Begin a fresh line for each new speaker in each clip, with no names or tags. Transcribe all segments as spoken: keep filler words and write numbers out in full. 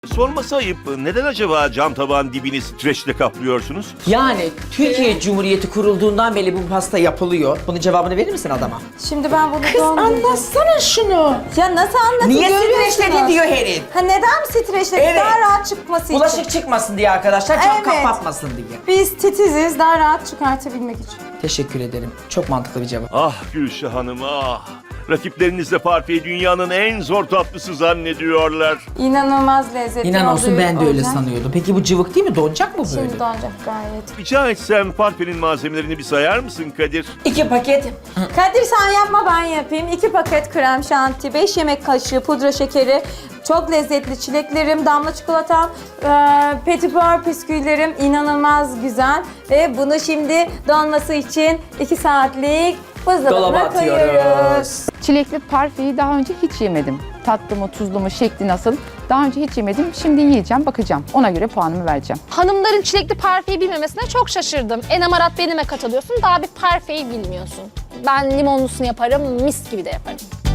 Sorması ayıp. Neden acaba cam tabağın dibini streçle kaplıyorsunuz?
Yani Türkiye Cumhuriyeti kurulduğundan beri bu pasta yapılıyor. Bunun cevabını verir misin adama?
Şimdi ben bunu
Kız
donduracağım.
anlatsana şunu.
Ya nasıl anlatayım?
Niye
Görüyorsunuz.
streçledin diyor herif.
Ha neden streçledin?
Evet.
Daha rahat çıkması için.
Bulaşık çıkmasın diye arkadaşlar, cam
Evet.
kapatmasın diye.
Biz titiziz, daha rahat çıkartabilmek için.
Teşekkür ederim. Çok mantıklı bir cevap.
Ah Gülşah Hanım ah. Rakipleriniz de parfeyi dünyanın en zor tatlısı zannediyorlar.
İnanılmaz lezzetli
İnan olsun,
olduğu
ben de öyle
olacak.
sanıyordum. Peki bu cıvık değil mi? Donacak mı böyle?
Şimdi donacak gayet.
Rica etsem parfenin malzemelerini bir sayar mısın Kadir?
İki paket.
Kadir sen yapma ben yapayım. iki paket krem şanti, beş yemek kaşığı pudra şekeri, çok lezzetli çileklerim, damla çikolatam, e, petibör bisküvilerim inanılmaz güzel. Ve bunu şimdi donması için iki saatlik
Dolaba
buzdolabına koyuyoruz.
atıyoruz.
Çilekli parfeyi daha önce hiç yemedim. Tatlı mı, tuzlu mu, şekli nasıl? Daha önce hiç yemedim. Şimdi yiyeceğim, bakacağım. Ona göre puanımı vereceğim.
Hanımların çilekli parfeyi bilmemesine çok şaşırdım. Enamarat benime katılıyorsun, daha bir parfeyi bilmiyorsun. Ben limonlusunu yaparım, mis gibi de yaparım.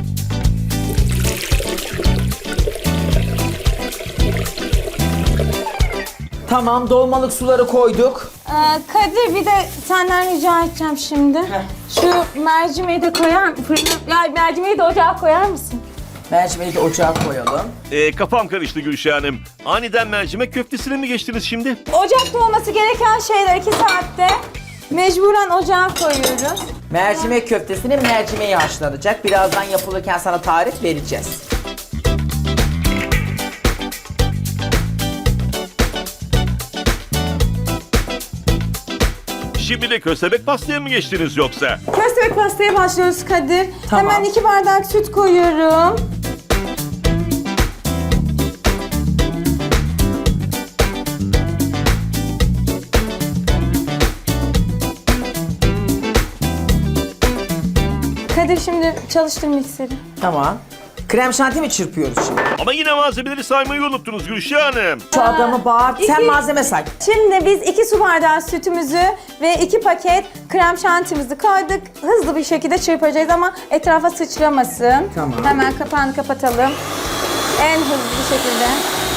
Tamam, dolmalık suları koyduk.
Ee, Kadir bir de senden rica edeceğim şimdi. Şu mercimeği de koyar fırına, ya mercimeği de ocağa koyar mısın?
Mercimeği de ocağa koyalım.
Ee, kafam karıştı Gülşah Hanım. Aniden mercimek köftesine mi geçtiniz şimdi?
Ocakta olması gereken şeyler iki saatte mecburen ocağa koyuyoruz.
Mercimek köftesinin mercimeği haşlanacak. Birazdan yapılırken sana tarif vereceğiz.
Şimdi de köstebek pastaya mı geçtiniz yoksa?
Köstebek pastaya başlıyoruz Kadir.
Tamam.
Hemen iki bardak süt koyuyorum. Kadir şimdi çalıştır mikseri.
Tamam. Krem şanti mi çırpıyoruz şimdi?
Ama yine malzemeleri saymayı unuttunuz Gülşah Hanım.
Şu adamı bağır. Sen
iki-
malzeme say.
Şimdi biz iki su bardağı sütümüzü ve iki paket krem şantimizi koyduk. Hızlı bir şekilde çırpacağız ama etrafa sıçramasın.
Tamam.
Hemen kapağını kapatalım. En hızlı bir şekilde.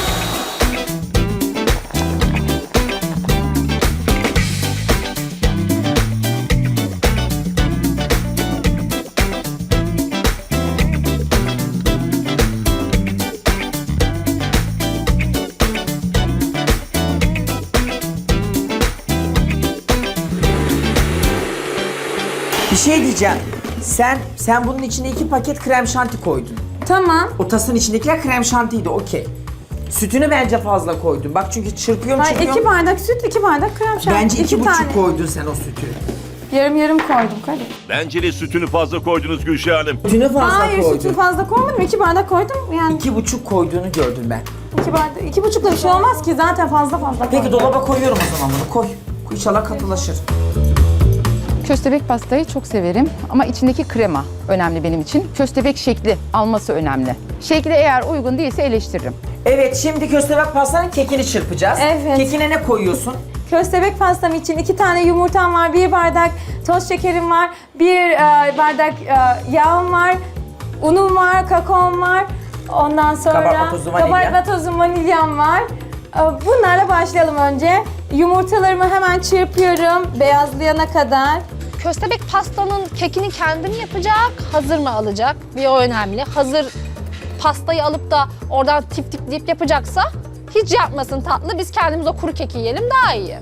Bir şey diyeceğim. Sen sen bunun içine iki paket krem şanti koydun.
Tamam.
O tasın içindekiler krem şantiydi, okey. Sütünü bence fazla koydun. Bak çünkü çırpıyorum
Hayır,
çırpıyorum.
iki bardak süt, iki bardak krem şanti.
Bence iki, buçuk
tane.
koydun sen o sütü.
Yarım yarım koydum Kadir.
Bence de sütünü fazla koydunuz Gülşah Hanım.
Sütünü fazla
Hayır,
koydun.
sütü fazla koymadım. İki bardak koydum. Yani
İki buçuk koyduğunu gördüm ben.
iki bardak, iki buçukla bir şey olmaz ki. Zaten fazla fazla
Peki
koydum.
dolaba koyuyorum o zaman bunu. Koy. İnşallah katılaşır.
Köstebek pastayı çok severim ama içindeki krema önemli benim için. Köstebek şekli alması önemli. Şekli eğer uygun değilse eleştiririm.
Evet, şimdi köstebek pastanın kekini çırpacağız.
Evet.
Kekine ne koyuyorsun?
Köstebek pastam için iki tane yumurtam var, bir bardak toz şekerim var, bir e, bardak e, yağım var, unum var, kakaom var. Ondan sonra
Kabartma tozu, vanilya.
kabartma tozu, vanilyam var. E, bunlarla başlayalım önce. Yumurtalarımı hemen çırpıyorum beyazlayana kadar.
Köstebek pastanın kekini kendi mi yapacak, hazır mı alacak? Bir o önemli. Hazır pastayı alıp da oradan tip tipleyip yapacaksa hiç yapmasın tatlı. Biz kendimiz o kuru keki yiyelim daha iyi.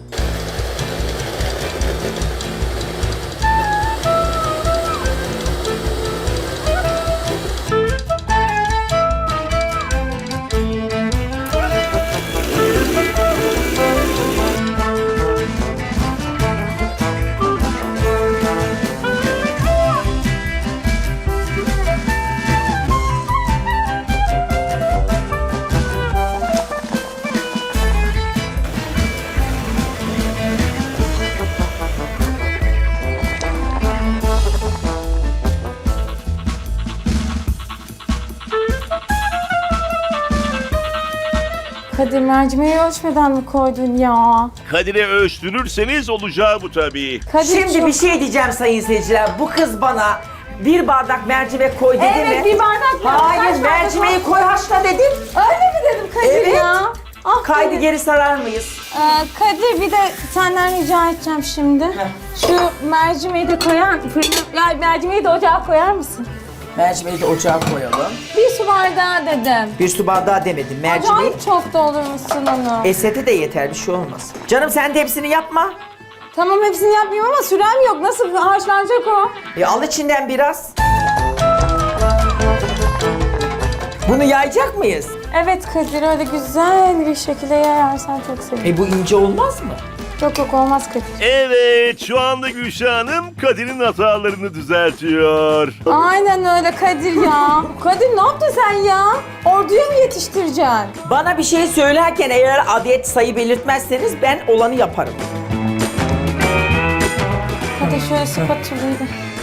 Kadir mercimeği ölçmeden mi koydun ya?
Kadir'e ölçtürürseniz olacağı bu tabii.
Kadir
Şimdi
çok-
bir şey diyeceğim sayın seyirciler. Bu kız bana bir bardak mercimek koy dedi
Evet,
mi?
bir bardak ya.
Hayır,
Kaç bardak
mercimeği koy haşla dedim.
Öyle mi dedim Kadir
Evet.
ya? Ah,
Kaydı
Kadir.
geri sarar mıyız?
Ee, Kadir bir de senden rica edeceğim şimdi. Şu mercimeği de koyar, fırına, ya mercimeği de ocağa koyar mısın?
Mercimeği de ocağa koyalım.
Bir su bardağı dedim.
Bir su bardağı demedim. Mercimeği.
Ocağın çok doldurmuşsun onu.
Esete de yeter, bir şey olmaz. Canım sen de hepsini yapma.
Tamam hepsini yapmayayım ama sürem yok. Nasıl haşlanacak o?
E, al içinden biraz. Bunu yayacak mıyız?
Evet Kadir öyle güzel bir şekilde yayarsan çok sevinirim.
E bu ince olmaz mı?
Yok yok olmaz Kadir.
Evet, şu anda Gülşah Hanım Kadir'in hatalarını düzeltiyor.
Aynen öyle Kadir ya. Kadir ne yaptın sen ya? Orduya mı yetiştireceksin?
Bana bir şey söylerken eğer adet sayı belirtmezseniz ben olanı yaparım.
Hadi şöyle spatulayı da.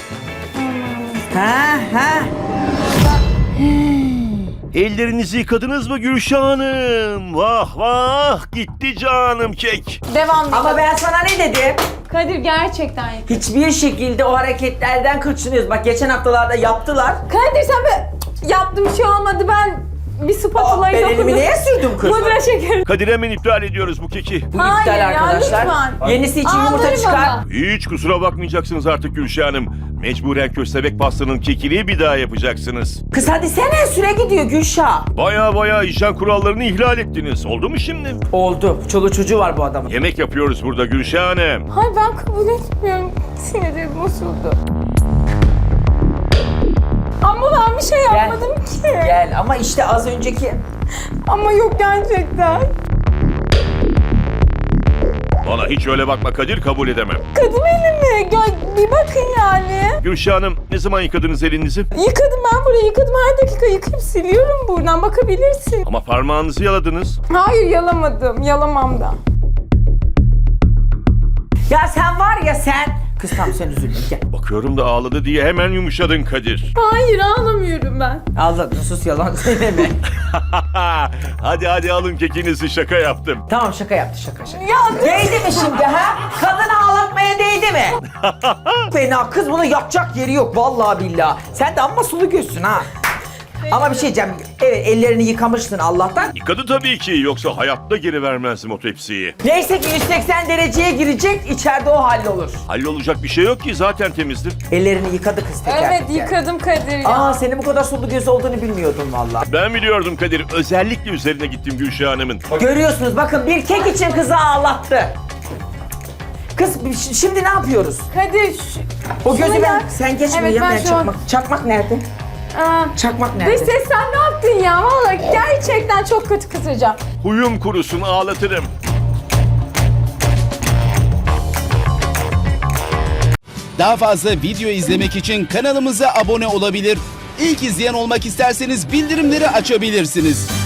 Ha ha.
Ellerinizi yıkadınız mı Gülşah Hanım? Vah vah, gitti canım kek.
Devam
Ama ben sana ne dedim?
Kadir gerçekten yık.
Hiçbir şekilde o hareketlerden kaçınıyoruz. Bak geçen haftalarda yaptılar.
Kadir sen be yaptım bir şey olmadı ben bir
Aa,
spatulayı
ben elimi neye sürdüm kız?
Pudra şekeri.
Kadir hemen iptal ediyoruz bu keki.
Bu
Hayır
iptal
ya,
arkadaşlar.
lütfen.
Yenisi için yumurta
Ağlarım
çıkar.
ama.
Hiç kusura bakmayacaksınız artık Gülşah Hanım. Mecburen köstebek pastanın kekini bir daha yapacaksınız.
Kız hadi sene süre gidiyor Gülşah.
Baya baya hijyen kurallarını ihlal ettiniz. Oldu mu şimdi?
Oldu. Çoluğu çocuğu var bu adamın.
Yemek yapıyoruz burada Gülşah Hanım.
Hayır ben kabul etmiyorum. Sinirim bozuldu. Ama ben bir şey yapmadım ki.
Gel ama işte az önceki...
Ama yok gerçekten.
Bana hiç öyle bakma Kadir, kabul edemem.
Kadın elimi. Gel bir bakın yani.
Gülşah Hanım, ne zaman yıkadınız elinizi?
Yıkadım ben burayı yıkadım. Her dakika yıkayıp siliyorum buradan. Bakabilirsin.
Ama parmağınızı yaladınız.
Hayır yalamadım. Yalamam da.
Ya sen var ya sen... Kız tamam sen üzülme gel.
Bakıyorum da ağladı diye hemen yumuşadın Kadir.
Hayır ağlamıyorum ben.
Ağladın sus yalan söyleme.
Hadi hadi alın kekinizi, şaka yaptım.
Tamam şaka yaptı şaka şaka.
Ya
Değdi mi şimdi ha? Kadını ağlatmaya değdi mi? Fena kız bunu yapacak yeri yok vallahi billahi. Sen de amma sulu gözsün ha. Ama bir şey diyeceğim. Evet ellerini yıkamıştın Allah'tan.
Yıkadı tabii ki, yoksa hayatta geri vermezdim o tepsiyi.
Neyse ki yüz seksen dereceye girecek, içeride o hallolur.
Hallolacak bir şey yok ki, zaten temizdir.
Ellerini yıkadı kız teker
evet
teker.
yıkadım Kadir ya.
Aa senin bu kadar sulu göz olduğunu bilmiyordum vallahi.
Ben biliyordum Kadir, özellikle üzerine gittim Gülşah Hanım'ın.
Görüyorsunuz bakın bir kek için kızı ağlattı. Kız ş- şimdi ne yapıyoruz?
Kadir şu...
O gözü
Şuna
ben,
gel.
sen geç
Evet,
buraya
ben
ben
şu an-
çakmak. Çakmak nerede?
Aa,
Çakmak
Dış
nerede?
ses sen ne yaptın ya? Vallahi gerçekten çok kötü kızacağım.
Huyum kurusun, ağlatırım.
Daha fazla video izlemek için kanalımıza abone olabilir. İlk izleyen olmak isterseniz bildirimleri açabilirsiniz.